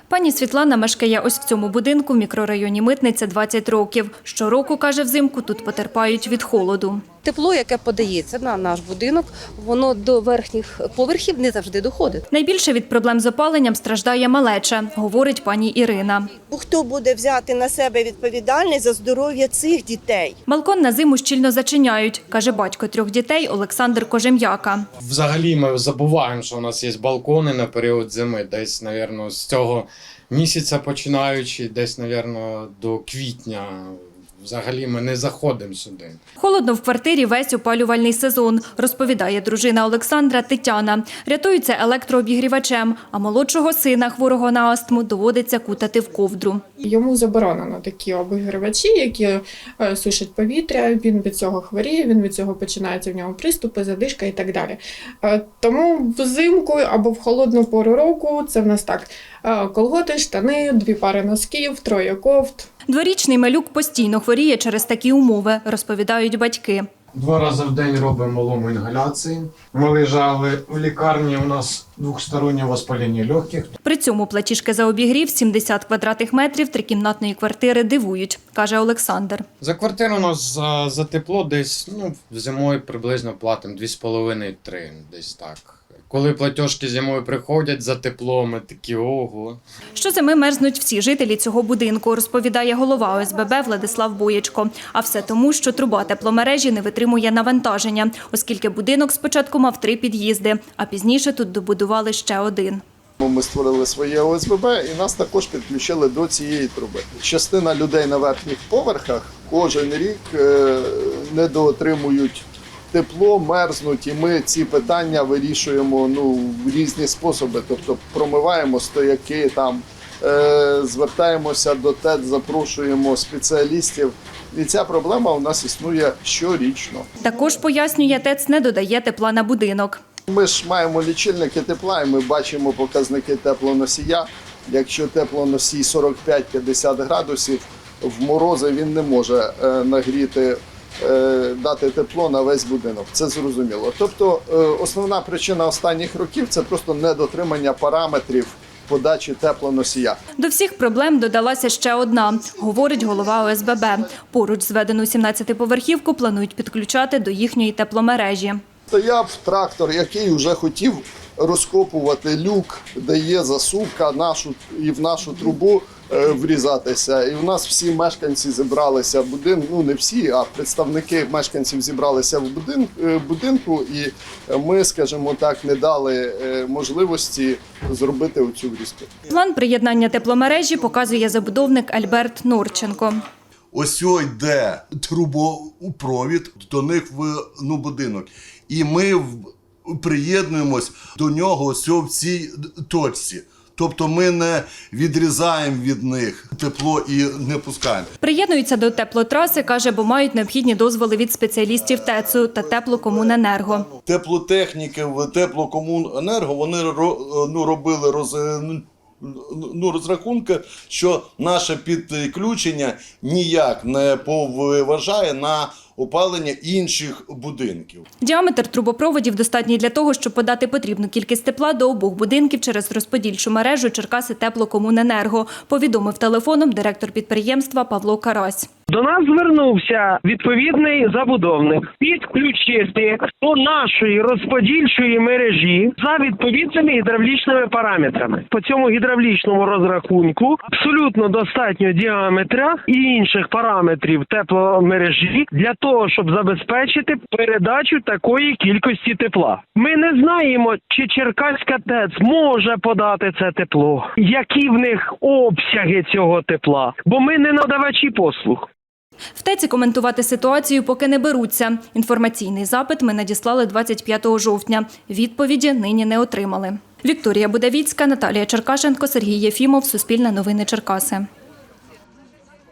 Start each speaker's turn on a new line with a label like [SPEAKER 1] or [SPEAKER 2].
[SPEAKER 1] Пані Світлана мешкає ось в цьому будинку в мікрорайоні Митниця 20 років. Щороку, каже, взимку тут потерпають від холоду.
[SPEAKER 2] Тепло, яке подається на наш будинок, воно до верхніх поверхів не завжди доходить.
[SPEAKER 1] Найбільше від проблем з опаленням страждає малеча, говорить пані Ірина.
[SPEAKER 3] Хто буде взяти на себе відповідальність за здоров'я цих дітей?
[SPEAKER 1] Балкон на зиму щільно зачиняють, каже батько 3 дітей Олександр Кожем'яка.
[SPEAKER 4] Взагалі ми забуваємо, що у нас є балкони на період зими. Десь, мабуть, з цього місяця починаючи, десь, мабуть, до квітня. Взагалі ми не заходимо сюди.
[SPEAKER 1] Холодно в квартирі весь опалювальний сезон, розповідає дружина Олександра Тетяна. Рятуються електрообігрівачем, а молодшого сина, хворого на астму, доводиться кутати в ковдру.
[SPEAKER 5] Йому заборонено такі обігрівачі, які сушать повітря, він від цього хворіє, він від цього починаються в нього приступи, задишка і так далі. Тому взимку або в холодну пору року це в нас так: колготи, штани, 2 пари носків, 3 кофт.
[SPEAKER 1] Дворічний малюк постійно хворіє через такі умови, розповідають батьки.
[SPEAKER 4] 2 рази в день робимо малому інгаляції. Ми лежали в лікарні, у нас двостороннє воспалення легких.
[SPEAKER 1] При цьому платіжки за обігрів 70 квадратних метрів трикімнатної квартири дивують, каже Олександр.
[SPEAKER 4] За квартиру у нас за тепло десь, зимою приблизно платимо 2,5-3, десь так. Коли платіжки зимою приходять за тепло, ми такі ого.
[SPEAKER 1] Щозими мерзнуть всі жителі цього будинку, розповідає голова ОСББ Владислав Боєчко. А все тому, що труба тепломережі не витримує навантаження, оскільки будинок спочатку мав 3 під'їзди, а пізніше тут добудували ще 1.
[SPEAKER 6] Ми створили своє ОСББ і нас також підключили до цієї труби. Частина людей на верхніх поверхах кожен рік недоотримують тепло, мерзнуть, і ми ці питання вирішуємо в різні способи. Тобто промиваємо стояки, звертаємося до ТЕЦ, запрошуємо спеціалістів. І ця проблема у нас існує щорічно.
[SPEAKER 1] Також, пояснює, ТЕЦ не додає тепла на будинок.
[SPEAKER 6] Ми ж маємо лічильники тепла і ми бачимо показники теплоносія. Якщо теплоносій 45-50 градусів, в морози він не може нагріти, дати тепло на весь будинок. Це зрозуміло. Тобто основна причина останніх років – це просто недотримання параметрів подачі теплоносія.
[SPEAKER 1] До всіх проблем додалася ще одна, говорить голова ОСББ. Поруч зведену 17-поверхівку планують підключати до їхньої тепломережі.
[SPEAKER 6] Стояв трактор, який вже хотів розкопувати люк, де є засувка і в нашу трубу врізатися. І в нас всі мешканці зібралися в будинку, не всі, а представники мешканців зібралися в будинку, і ми, скажімо так, не дали можливості зробити оцю врізку.
[SPEAKER 1] План приєднання тепломережі показує забудовник Альберт Норченко.
[SPEAKER 7] Ось йде трубопровід до них в будинок. І ми приєднуємось до нього ось в цій точці. Тобто ми не відрізаємо від них тепло і не пускаємо.
[SPEAKER 1] Приєднуються до теплотраси, каже, бо мають необхідні дозволи від спеціалістів ТЕЦу та Теплокомуненерго.
[SPEAKER 7] Теплотехніки в Теплокомуненерго, вони робили розрахунки, що наше підключення ніяк не поважає на опалення інших будинків.
[SPEAKER 1] Діаметр трубопроводів достатній для того, щоб подати потрібну кількість тепла до обох будинків через розподільчу мережу Черкаси Теплокомуненерго, повідомив телефоном директор підприємства Павло Карась.
[SPEAKER 8] До нас звернувся відповідний забудовник підключити до нашої розподільчої мережі за відповідними гідравлічними параметрами. По цьому гідравлічному розрахунку абсолютно достатньо діаметра і інших параметрів тепломережі для того, щоб забезпечити передачу такої кількості тепла. Ми не знаємо, чи Черкаська ТЕЦ може подати це тепло, які в них обсяги цього тепла, бо ми не надавачі послуг.
[SPEAKER 1] В ТЕЦі коментувати ситуацію поки не беруться. Інформаційний запит ми надіслали 25 жовтня. Відповіді нині не отримали. Вікторія Будавіцька, Наталія Черкашенко, Сергій Єфімов, Суспільне новини Черкаси.